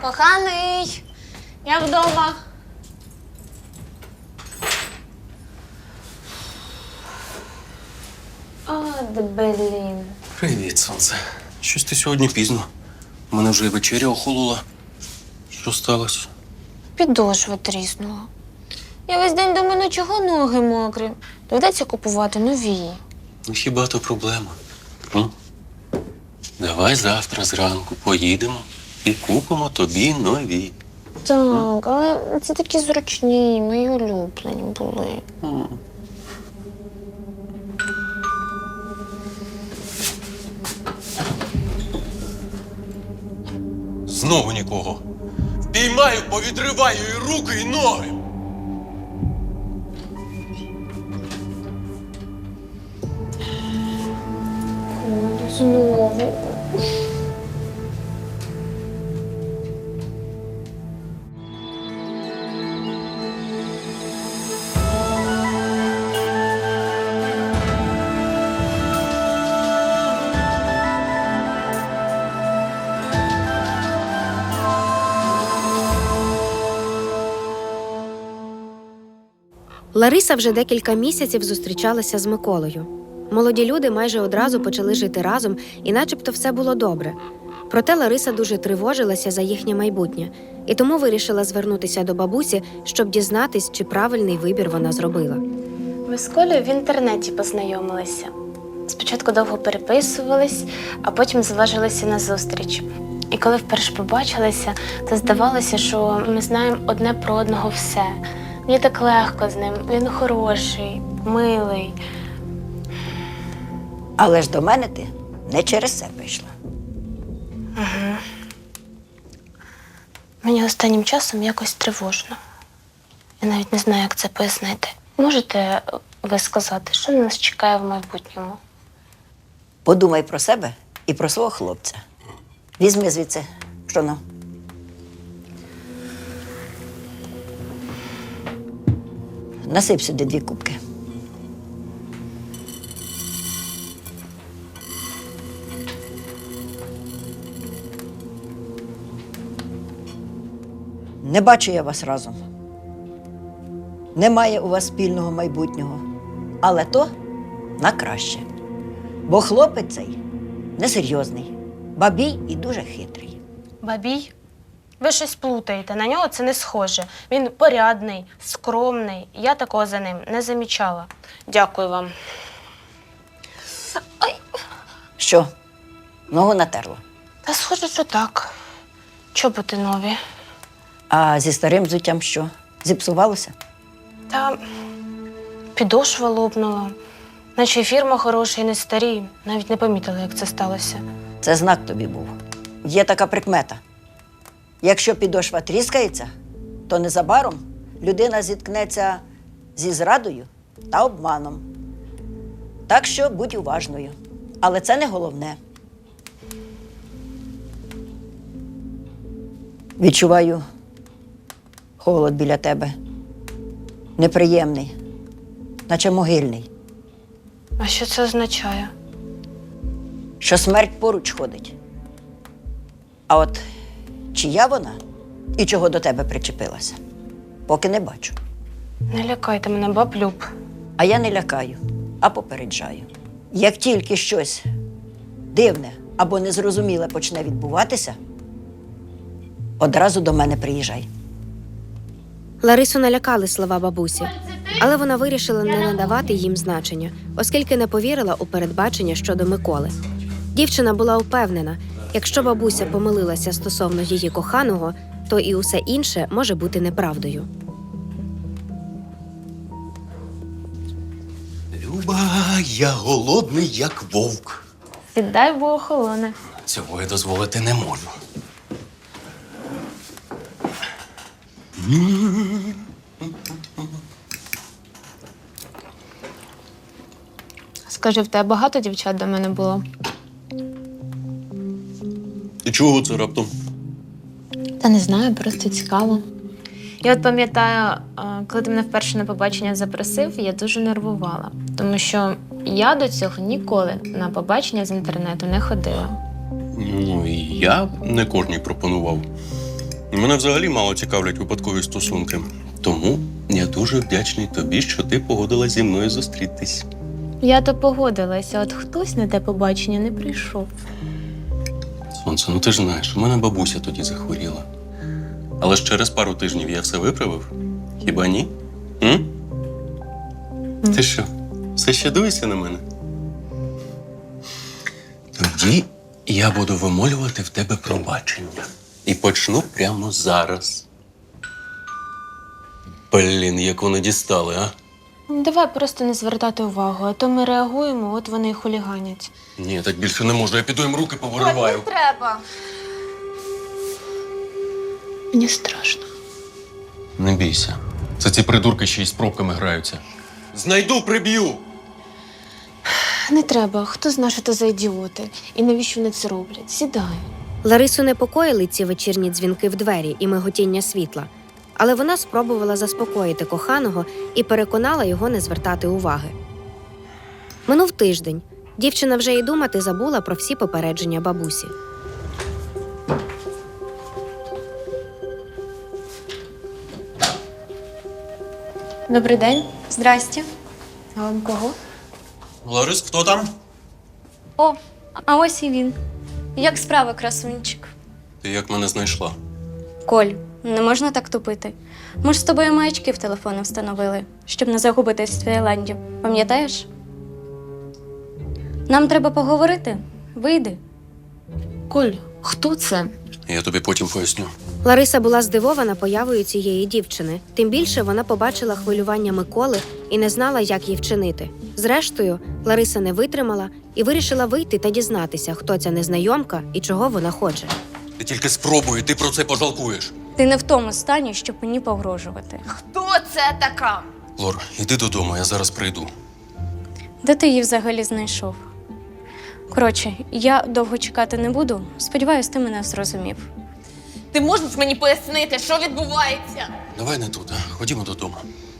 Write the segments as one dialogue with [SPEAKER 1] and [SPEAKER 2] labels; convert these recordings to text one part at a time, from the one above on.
[SPEAKER 1] Коханий, я вдома. Блін.
[SPEAKER 2] Привіт, сонце. Щось ти сьогодні пізно. У мене вже і вечеря охолола. Що сталося?
[SPEAKER 1] Підошва тріснула. Я весь день думаю, ну чого ноги мокрі? Доведеться купувати нові.
[SPEAKER 2] Ну хіба то проблема? М? Давай завтра зранку поїдемо і купимо тобі нові.
[SPEAKER 1] Так, але це такі зручні, мої улюблені були.
[SPEAKER 2] Знову нікого. Впіймаю, повідриваю і руки, і ноги.
[SPEAKER 1] Знову.
[SPEAKER 3] Лариса вже декілька місяців зустрічалася з Миколою. Молоді люди майже одразу почали жити разом, і начебто все було добре. Проте Лариса дуже тривожилася за їхнє майбутнє, і тому вирішила звернутися до бабусі, щоб дізнатись, чи правильний вибір вона зробила.
[SPEAKER 1] Ми з Колею в інтернеті познайомилися. Спочатку довго переписувались, а потім зважилися на зустріч. І коли вперше побачилися, то здавалося, що ми знаємо одне про одного все. Мені так легко з ним, він хороший, милий.
[SPEAKER 4] Але ж до мене ти не через це прийшла.
[SPEAKER 1] Мені останнім часом якось тривожно. Я навіть не знаю, як це пояснити. Можете ви сказати, що нас чекає в майбутньому?
[SPEAKER 4] Подумай про себе і про свого хлопця. Візьми звідси пшоно. Насип сюди 2 кубки. Не бачу я вас разом. Немає у вас спільного майбутнього. Але то на краще. Бо хлопець цей несерйозний, бабій і дуже хитрий.
[SPEAKER 1] Бабій? Ви щось плутаєте, на нього це не схоже. Він порядний, скромний. Я такого за ним не замічала. Дякую вам.
[SPEAKER 4] Що? Ногу натерла?
[SPEAKER 1] Та схоже, що так. Чоботи нові.
[SPEAKER 4] А зі старим взуттям що? Зіпсувалося?
[SPEAKER 1] Та підошва лопнула. Наче й фірма хороша і не старі. Навіть не помітила, як це сталося.
[SPEAKER 4] Це знак тобі був. Є така прикмета. Якщо підошва тріскається, то незабаром людина зіткнеться зі зрадою та обманом. Так що будь уважною. Але це не головне. Відчуваю холод біля тебе. Неприємний, наче могильний.
[SPEAKER 1] А що це означає?
[SPEAKER 4] Що смерть поруч ходить. А от чия вона і чого до тебе причепилася, поки не бачу.
[SPEAKER 1] Не лякайте мене, баб Люб.
[SPEAKER 4] А я не лякаю, а попереджаю. Як тільки щось дивне або незрозуміле почне відбуватися, одразу до мене приїжджай.
[SPEAKER 3] Ларису налякали слова бабусі, але вона вирішила не надавати їм значення, оскільки не повірила у передбачення щодо Миколи. Дівчина була упевнена, якщо бабуся помилилася стосовно її коханого, то і усе інше може бути неправдою.
[SPEAKER 2] Люба, я голодний, як вовк.
[SPEAKER 1] Сідай, бо охолоне.
[SPEAKER 2] Цього я дозволити не можу.
[SPEAKER 1] Скажи, в тебе багато дівчат до мене було?
[SPEAKER 2] І чого це раптом?
[SPEAKER 1] Та не знаю, просто цікаво. Я от пам'ятаю, коли ти мене вперше на побачення запросив, я дуже нервувала. Тому що я до цього ніколи на побачення з інтернету не ходила.
[SPEAKER 2] Ну, і я не кожній пропонував. Мене взагалі мало цікавлять випадкові стосунки. Тому я дуже вдячний тобі, що ти погодилась зі мною зустрітись.
[SPEAKER 1] Я то погодилася, от хтось на те побачення не прийшов.
[SPEAKER 2] Сонце, ну ти ж знаєш, у мене бабуся тоді захворіла. Але ж через пару тижнів я все виправив. Хіба ні? М? Ти що, все ще дивишся на мене? Тоді я буду вимолювати в тебе пробачення. І почну прямо зараз. Блін, як вони дістали, а?
[SPEAKER 1] Давай просто не звертати увагу, а то ми реагуємо, от вони і хуліганять.
[SPEAKER 2] Ні, так більше не можу, я піду їм руки повириваю.
[SPEAKER 1] треба. Мені страшно.
[SPEAKER 2] Не бійся. Це ці придурки ще й з пробками граються. Знайду, приб'ю!
[SPEAKER 1] Не треба, хто знає, що це за ідіоти. І навіщо вони це роблять? Сідай.
[SPEAKER 3] Ларису непокоїли ці вечірні дзвінки в двері і миготіння світла. Але вона спробувала заспокоїти коханого і переконала його не звертати уваги. Минув тиждень. Дівчина вже й думати забула про всі попередження бабусі.
[SPEAKER 1] Добрий день. Здрасте. А вам кого?
[SPEAKER 2] Ларис, хто там?
[SPEAKER 5] О, а ось і він. Як справа, красунчик?
[SPEAKER 2] Ти як мене знайшла?
[SPEAKER 5] Коль, не можна так тупити. Ми ж з тобою маячки в телефони встановили, щоб не загубитись в Таїланді. Пам'ятаєш? Нам треба поговорити. Вийди.
[SPEAKER 1] Коль, хто це?
[SPEAKER 2] Я тобі потім поясню.
[SPEAKER 3] Лариса була здивована появою цієї дівчини. Тим більше вона побачила хвилювання Миколи і не знала, як їй вчинити. Зрештою, Лариса не витримала і вирішила вийти та дізнатися, хто ця незнайомка і чого вона хоче.
[SPEAKER 2] Ти тільки спробуй, ти про це пожалкуєш.
[SPEAKER 5] Ти не в тому стані, щоб мені погрожувати.
[SPEAKER 1] Хто це така?
[SPEAKER 2] Лор, іди додому, я зараз прийду.
[SPEAKER 5] Де ти її взагалі знайшов? Коротше, я довго чекати не буду. Сподіваюсь, ти мене зрозумів.
[SPEAKER 6] Ти можеш мені пояснити, що відбувається?
[SPEAKER 2] Давай не тут, а ходімо додому.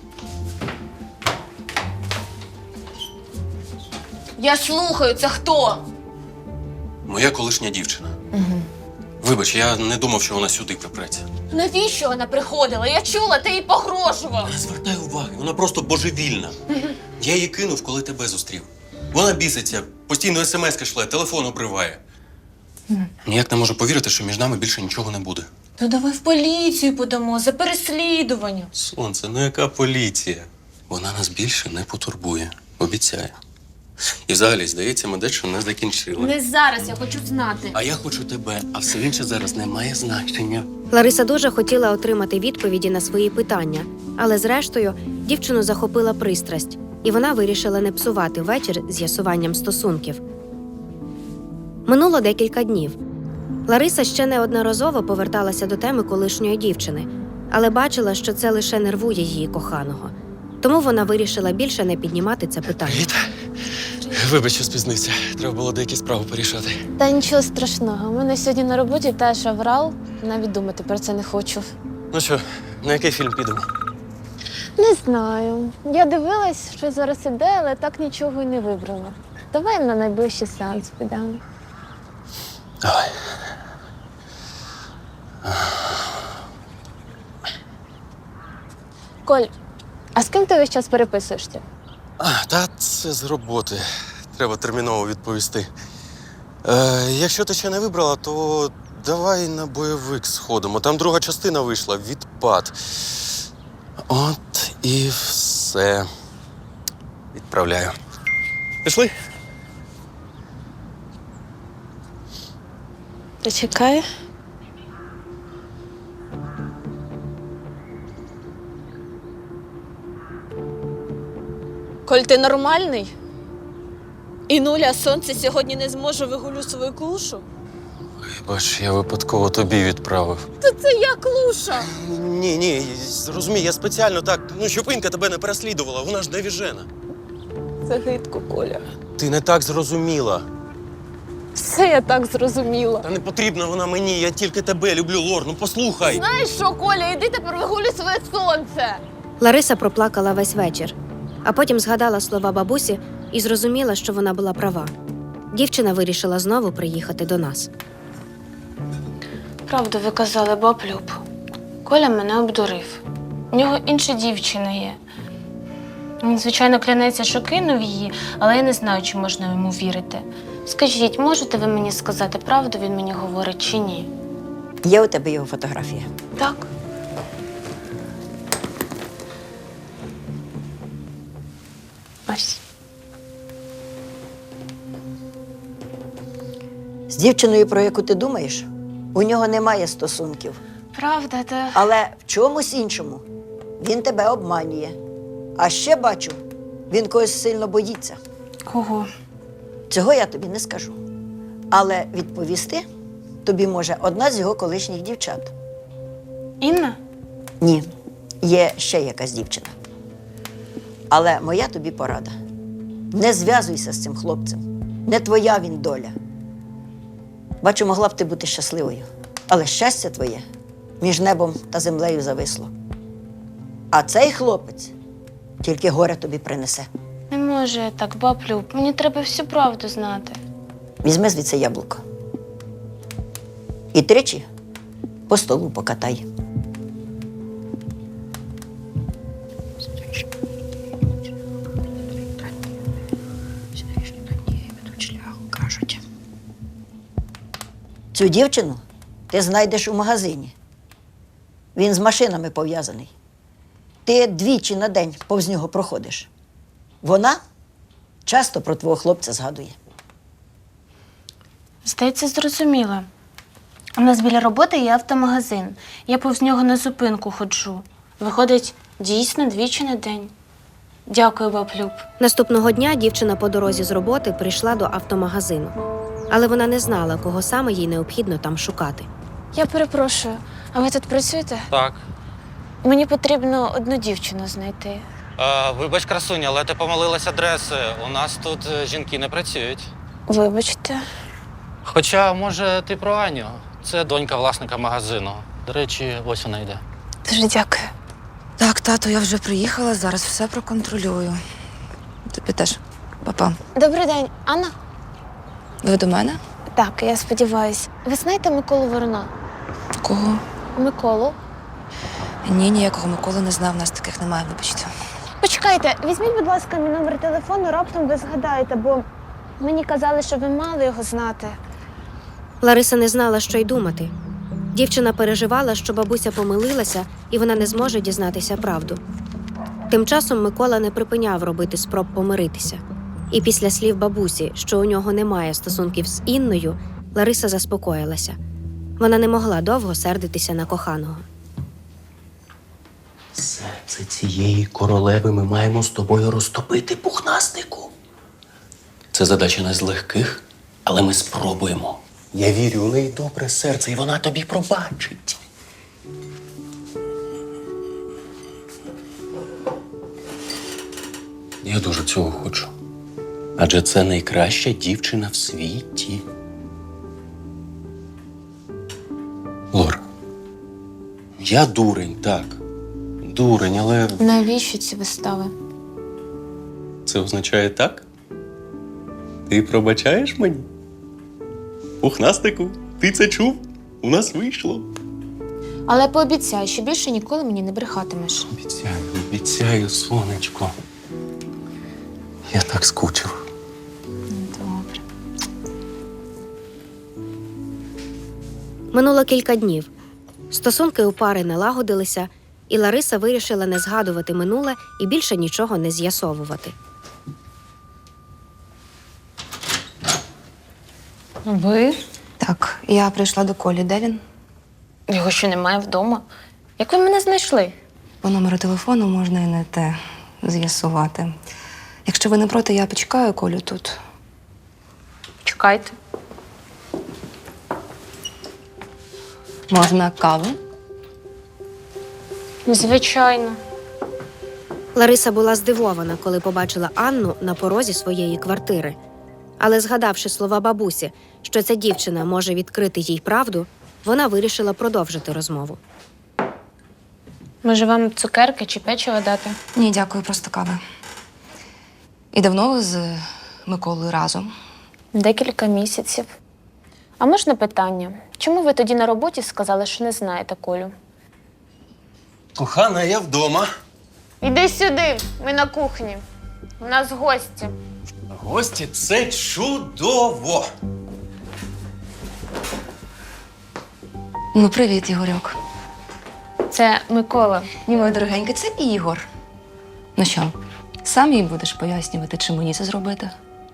[SPEAKER 6] Я слухаю, це хто?
[SPEAKER 2] Моя колишня дівчина. Угу. Вибач, я не думав, що вона сюди припреться.
[SPEAKER 6] Навіщо вона приходила? Я чула, ти їй погрожував.
[SPEAKER 2] Не звертай уваги, вона просто божевільна. Я її кинув, коли тебе зустрів. Вона біситься, постійно смс-ки шле, телефон обриває. Ніяк не можу повірити, що між нами більше нічого не буде.
[SPEAKER 6] То давай в поліцію подамо за переслідування.
[SPEAKER 2] Сонце, ну яка поліція? Вона нас більше не потурбує, обіцяю. І взагалі, здається, ми дещо не закінчили.
[SPEAKER 6] Не зараз, я хочу знати.
[SPEAKER 2] А я хочу тебе, а все інше зараз не має значення.
[SPEAKER 3] Лариса дуже хотіла отримати відповіді на свої питання, але зрештою дівчину захопила пристрасть, і вона вирішила не псувати вечір з'ясуванням стосунків. Минуло декілька днів. Лариса ще неодноразово поверталася до теми колишньої дівчини, але бачила, що це лише нервує її коханого. Тому вона вирішила більше не піднімати це питання.
[SPEAKER 2] Привіт. Вибач, що спізнився. Треба було деякі справи порішати.
[SPEAKER 1] Та нічого страшного. У мене сьогодні на роботі теж аврал. Навіть думати про це не хочу.
[SPEAKER 2] Ну що, на який фільм підемо?
[SPEAKER 1] Не знаю. Я дивилась, що зараз іде, але так нічого й не вибрала. Давай на найближчий сеанс підемо.
[SPEAKER 2] Давай.
[SPEAKER 1] Коль, а з ким ти весь час переписуєшся?
[SPEAKER 7] Та це з роботи. Треба терміново відповісти. Якщо ти ще не вибрала, то давай на бойовик сходимо. Там друга частина вийшла «Відпад». От і все. Відправляю. Пішли?
[SPEAKER 1] Почекай.
[SPEAKER 6] Коль, ти нормальний? І нуля сонце сьогодні не зможе вигулю свою клушу?
[SPEAKER 7] Бач, я випадково тобі відправив.
[SPEAKER 6] Та це я клуша.
[SPEAKER 7] Ні, зрозумій, я спеціально так, щоб Інка тебе не переслідувала, вона ж невіжена.
[SPEAKER 6] Це гидко, Коля.
[SPEAKER 7] Ти не так зрозуміла.
[SPEAKER 1] Все я так зрозуміла.
[SPEAKER 7] Та не потрібна вона мені, я тільки тебе люблю, Лор, ну послухай.
[SPEAKER 6] Знаєш що, Коля, іди тепер вигулюй своє сонце.
[SPEAKER 3] Лариса проплакала весь вечір, а потім згадала слова бабусі і зрозуміла, що вона була права. Дівчина вирішила знову приїхати до нас.
[SPEAKER 1] Правду ви казали, баб Люб. Коля мене обдурив. У нього інша дівчина є. Він, звичайно, клянеться, що кинув її, але я не знаю, чи можна йому вірити. Скажіть, можете ви мені сказати, правду він мені говорить чи ні?
[SPEAKER 4] Є у тебе його фотографія?
[SPEAKER 1] Так. Ось.
[SPEAKER 4] З дівчиною, про яку ти думаєш, у нього немає стосунків.
[SPEAKER 1] Правда, та...
[SPEAKER 4] Але в чомусь іншому він тебе обманює. А ще бачу, він когось сильно боїться.
[SPEAKER 1] Кого?
[SPEAKER 4] Цього я тобі не скажу. Але відповісти тобі може одна з його колишніх дівчат.
[SPEAKER 1] Інна?
[SPEAKER 4] Ні, є ще якась дівчина. Але моя тобі порада. Не зв'язуйся з цим хлопцем. Не твоя він доля. Бачу, могла б ти бути щасливою. Але щастя твоє між небом та землею зависло. А цей хлопець тільки горе тобі принесе.
[SPEAKER 1] Не може я так, баб Люб. Мені треба всю правду знати.
[SPEAKER 4] Візьми звідси яблуко. І тричі по столу покатай. Цю дівчину ти знайдеш у магазині. Він з машинами пов'язаний. Ти двічі на день повз нього проходиш. Вона часто про твого хлопця згадує.
[SPEAKER 1] Здається, зрозуміла. У нас біля роботи є автомагазин. Я повз нього на зупинку ходжу. Виходить, дійсно двічі на день. Дякую, баб Люб.
[SPEAKER 3] Наступного дня дівчина по дорозі з роботи прийшла до автомагазину. Але вона не знала, кого саме їй необхідно там шукати.
[SPEAKER 1] Я перепрошую, а ви тут працюєте?
[SPEAKER 8] Так.
[SPEAKER 1] Мені потрібно одну дівчину знайти.
[SPEAKER 8] Вибач, красуня, але ти помилилась адреси. У нас тут жінки не працюють.
[SPEAKER 1] Вибачте.
[SPEAKER 8] Хоча, може, ти про Аню. Це донька власника магазину. До речі, ось вона йде.
[SPEAKER 1] Дуже дякую.
[SPEAKER 9] Так, тато, я вже приїхала, зараз все проконтролюю. Тобі теж, папа.
[SPEAKER 1] Добрий день, Анна?
[SPEAKER 9] Ви до мене?
[SPEAKER 1] Так, я сподіваюся. Ви знаєте Миколу Ворона?
[SPEAKER 9] Кого?
[SPEAKER 1] Миколу?
[SPEAKER 9] Ні, ніякого Миколи не знав, у нас таких немає, вибачте.
[SPEAKER 1] Почекайте, візьміть, будь ласка, мій номер телефону, раптом ви згадаєте, бо мені казали, що ви мали його знати.
[SPEAKER 3] Лариса не знала, що й думати. Дівчина переживала, що бабуся помилилася, і вона не зможе дізнатися правду. Тим часом Микола не припиняв робити спроб помиритися. І після слів бабусі, що у нього немає стосунків з Інною, Лариса заспокоїлася. Вона не могла довго сердитися на коханого.
[SPEAKER 2] Серце цієї королеви ми маємо з тобою розтопити, пухнастику. Це задача не з легких, але ми спробуємо. Я вірю, у неї добре серце, і вона тобі пробачить. Я дуже цього хочу. Адже це найкраща дівчина в світі. Лора, я дурень, так. Дурень, але
[SPEAKER 1] Навіщо ці вистави?
[SPEAKER 2] це означає так? Ти пробачаєш мені? Пухнастику, ти це чув? У нас вийшло.
[SPEAKER 1] Але пообіцяй, що більше ніколи мені не брехатимеш.
[SPEAKER 2] Обіцяю, сонечко. Я так скучив.
[SPEAKER 1] Добре.
[SPEAKER 3] Минуло кілька днів. Стосунки у пари налагодилися, і Лариса вирішила не згадувати минуле і більше нічого не з'ясовувати.
[SPEAKER 1] Ви?
[SPEAKER 9] Так, я прийшла до Колі. Де він?
[SPEAKER 1] Його ще немає вдома. Як ви мене знайшли?
[SPEAKER 9] По номеру телефону можна і не те з'ясувати. Якщо ви не проти, я почекаю Колю тут.
[SPEAKER 1] Чекайте.
[SPEAKER 9] Можна каву?
[SPEAKER 1] Звичайно.
[SPEAKER 3] Лариса була здивована, коли побачила Анну на порозі своєї квартири. Але згадавши слова бабусі, що ця дівчина може відкрити їй правду, вона вирішила продовжити розмову.
[SPEAKER 1] Може, вам цукерки чи печиво дати?
[SPEAKER 9] Ні, дякую, просто кава. І давно ви з Миколою разом?
[SPEAKER 1] Декілька місяців. А можна питання? Чому ви тоді на роботі сказали, що не знаєте Колю?
[SPEAKER 2] Кохана, я вдома.
[SPEAKER 1] Іди сюди, ми на кухні. У нас гості.
[SPEAKER 2] Гості – це чудово.
[SPEAKER 9] Ну, привіт, Ігорьок.
[SPEAKER 1] Це Микола.
[SPEAKER 9] Ні, моя дорогенька, це Ігор. Ну що, сам їй будеш пояснювати, чи мені це зробити?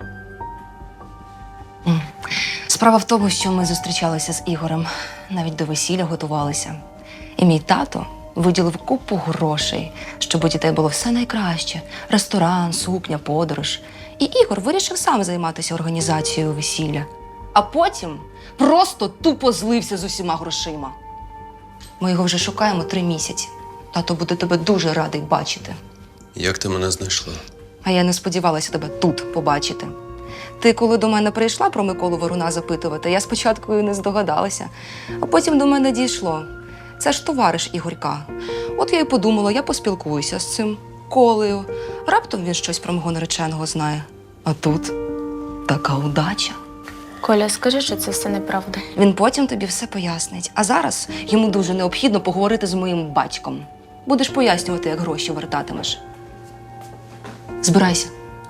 [SPEAKER 9] Справа в тому, що ми зустрічалися з Ігорем, навіть до весілля готувалися. І мій тато виділив купу грошей, щоб у дітей було все найкраще: ресторан, сукня, подорож. І Ігор вирішив сам займатися організацією весілля. А потім просто тупо злився з усіма грошима. Ми його вже шукаємо 3 місяці. Тато буде тебе дуже радий бачити.
[SPEAKER 2] Як ти мене знайшла?
[SPEAKER 9] А я не сподівалася тебе тут побачити. Ти, коли до мене прийшла про Миколу Воруна запитувати, я спочатку і не здогадалася, а потім до мене дійшло. Це ж товариш Ігорька. От я й подумала, я поспілкуюся з цим Колею. Раптом він щось про мого нареченого знає. А тут така удача.
[SPEAKER 1] Коля, скажи, що це все неправда.
[SPEAKER 9] Він потім тобі все пояснить. А зараз йому дуже необхідно поговорити з моїм батьком. Будеш пояснювати, як гроші вертатимеш. Збирайся.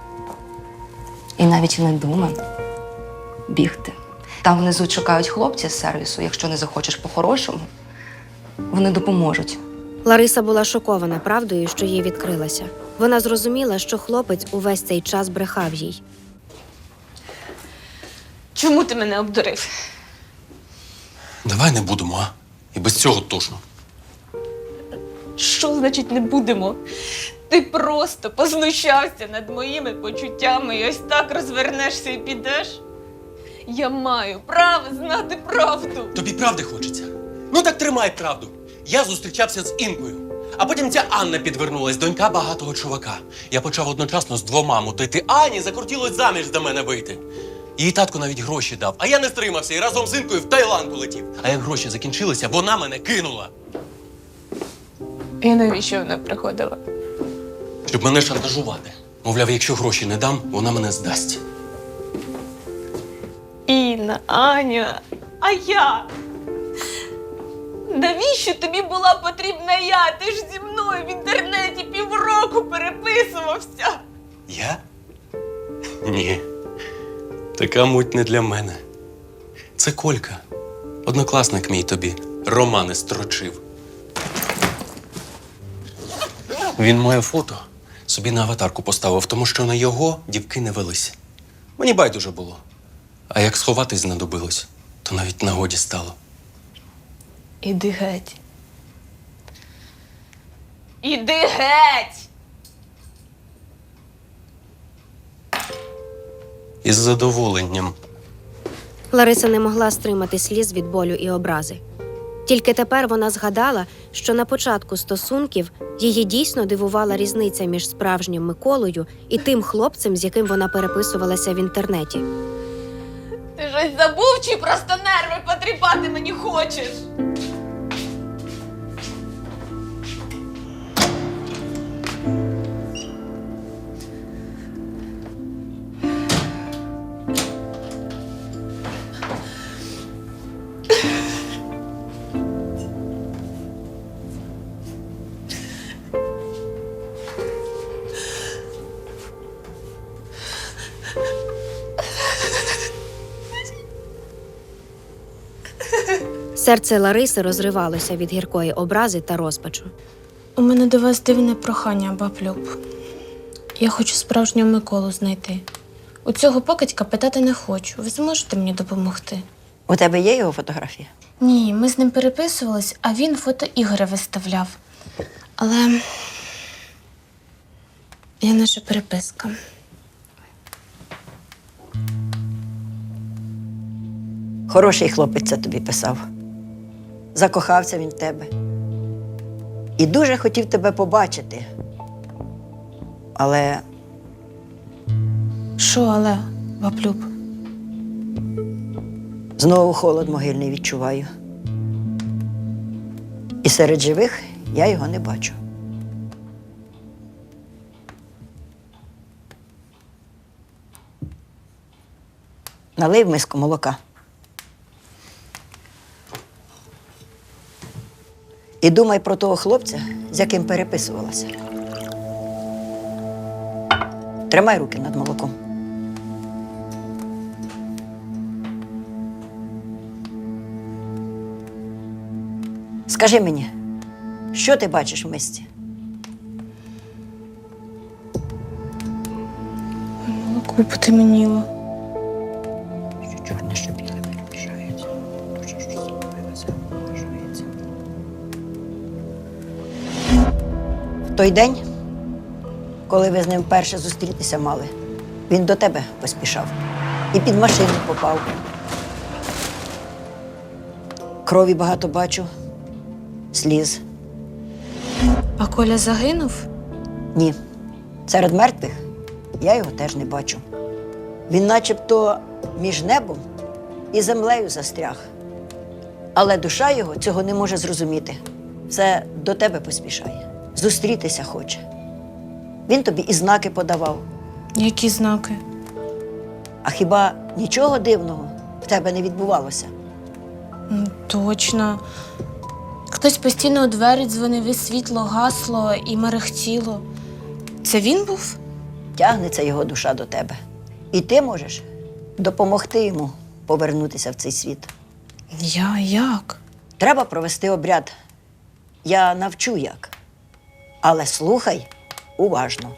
[SPEAKER 9] І навіть не думай бігти. Там внизу чекають хлопці з сервісу. Якщо не захочеш по-хорошому, вони допоможуть.
[SPEAKER 3] Лариса була шокована правдою, що їй відкрилася. Вона зрозуміла, що хлопець увесь цей час брехав їй.
[SPEAKER 6] Чому ти мене обдурив?
[SPEAKER 2] Давай не будемо, а? І без цього точно.
[SPEAKER 6] Що значить не будемо? Ти просто познущався над моїми почуттями і ось так розвернешся і підеш? Я маю право знати правду.
[SPEAKER 2] Тобі правди хочеться? Ну так тримай правду. Я зустрічався з Інкою. А потім ця Анна підвернулась, донька багатого чувака. Я почав одночасно з 2 мутити. Ані закрутілось заміж за мене вийти. Її татко навіть гроші дав, а я не стримався і разом з Інкою в Таїланд полетів. А як гроші закінчилися, вона мене кинула.
[SPEAKER 6] І навіщо вона приходила?
[SPEAKER 2] Щоб мене шантажувати. Мовляв, якщо гроші не дам, вона мене здасть.
[SPEAKER 6] Інна, Аня, а я? Навіщо тобі була потрібна я? Ти ж зі мною в інтернеті півроку переписувався.
[SPEAKER 2] Я? Ні. Така муть не для мене. Це Колька. Однокласник мій тобі. Романи строчив. Він моє фото собі на аватарку поставив, тому що на його дівки не велися. Мені байдуже було. А як сховатись знадобилось, то навіть нагоді стало.
[SPEAKER 6] Іди геть. Іди геть!
[SPEAKER 2] Із задоволенням.
[SPEAKER 3] Лариса не могла стримати сліз від болю і образи. Тільки тепер вона згадала, що на початку стосунків її дійсно дивувала різниця між справжнім Миколою і тим хлопцем, з яким вона переписувалася в інтернеті.
[SPEAKER 6] Ти щось забув чи просто нерви потріпати мені хочеш?
[SPEAKER 3] Серце Лариси розривалося від гіркої образи та розпачу.
[SPEAKER 1] У мене до вас дивне прохання, баб Люб. Я хочу справжнього Миколу знайти. У цього покидька питати не хочу. Ви зможете мені допомогти?
[SPEAKER 4] У тебе є його фотографія?
[SPEAKER 1] Ні, ми з ним переписувались, а він фото Ігоря виставляв. Але я наша переписка.
[SPEAKER 4] Хороший хлопець це тобі писав. Закохався він в тебе. І дуже хотів тебе побачити. Але
[SPEAKER 1] Що, але, баб Люб?
[SPEAKER 4] знову холод могильний відчуваю. І серед живих я його не бачу. Налий в миску молока. І думай про того хлопця, з яким переписувалася. Тримай руки над молоком. Скажи мені, що ти бачиш в мисці?
[SPEAKER 6] Молоко потемніло.
[SPEAKER 4] Що чорне, що біле перемішається. Дуже ж розробилося, вважається. В той день, коли ви з ним вперше зустрітися мали, він до тебе поспішав і під машину попав. Крові багато бачу, сліз.
[SPEAKER 6] А Коля загинув?
[SPEAKER 4] Ні. Серед мертвих я його теж не бачу. Він начебто між небом і землею застряг. Але душа його цього не може зрозуміти. Все до тебе поспішає. Зустрітися хоче. Він тобі і знаки подавав.
[SPEAKER 6] Які знаки?
[SPEAKER 4] А хіба нічого дивного в тебе не відбувалося?
[SPEAKER 6] Точно. Хтось постійно у двері дзвонив, і світло гасло і мерехтіло. Це він був?
[SPEAKER 4] Тягнеться його душа до тебе. І ти можеш допомогти йому повернутися в цей світ.
[SPEAKER 6] Як?
[SPEAKER 4] Треба провести обряд. Я навчу як. Але слухай уважно.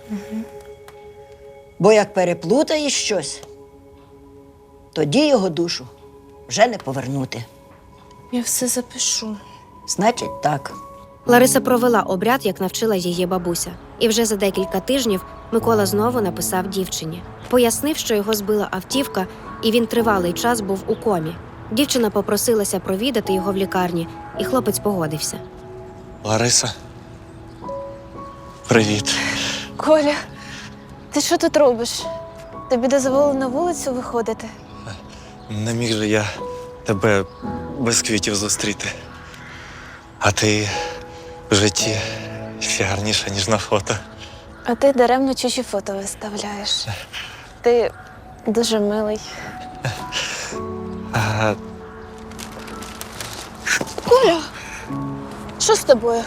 [SPEAKER 4] Бо як переплутаєш щось, тоді його душу вже не повернути.
[SPEAKER 6] Я все запишу.
[SPEAKER 4] Значить, так.
[SPEAKER 3] Лариса провела обряд, як навчила її бабуся. І вже за декілька тижнів Микола знову написав дівчині. Пояснив, що його збила автівка, і він тривалий час був у комі. Дівчина попросилася провідати його в лікарні, і хлопець погодився.
[SPEAKER 7] Лариса. Привіт.
[SPEAKER 1] Коля, ти що тут робиш? Тобі дозволено на вулицю виходити?
[SPEAKER 10] Не міг же я тебе без квітів зустріти. А ти в житті ще гарніша, ніж на фото.
[SPEAKER 1] А ти даремно чужі фото виставляєш. Ти дуже милий.
[SPEAKER 10] А
[SPEAKER 1] Коля, що з тобою?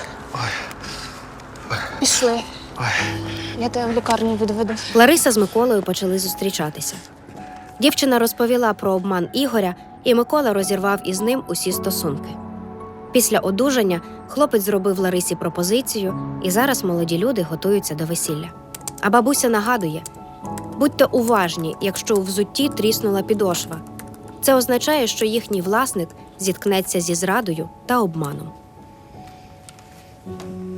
[SPEAKER 1] Пішли. Я тебе в лікарню відведу.
[SPEAKER 3] Лариса з Миколою почали зустрічатися. Дівчина розповіла про обман Ігоря, і Микола розірвав із ним усі стосунки. Після одужання хлопець зробив Ларисі пропозицію, і зараз молоді люди готуються до весілля. А бабуся нагадує: будьте уважні, якщо у взутті тріснула підошва. Це означає, що їхній власник зіткнеться зі зрадою та обманом.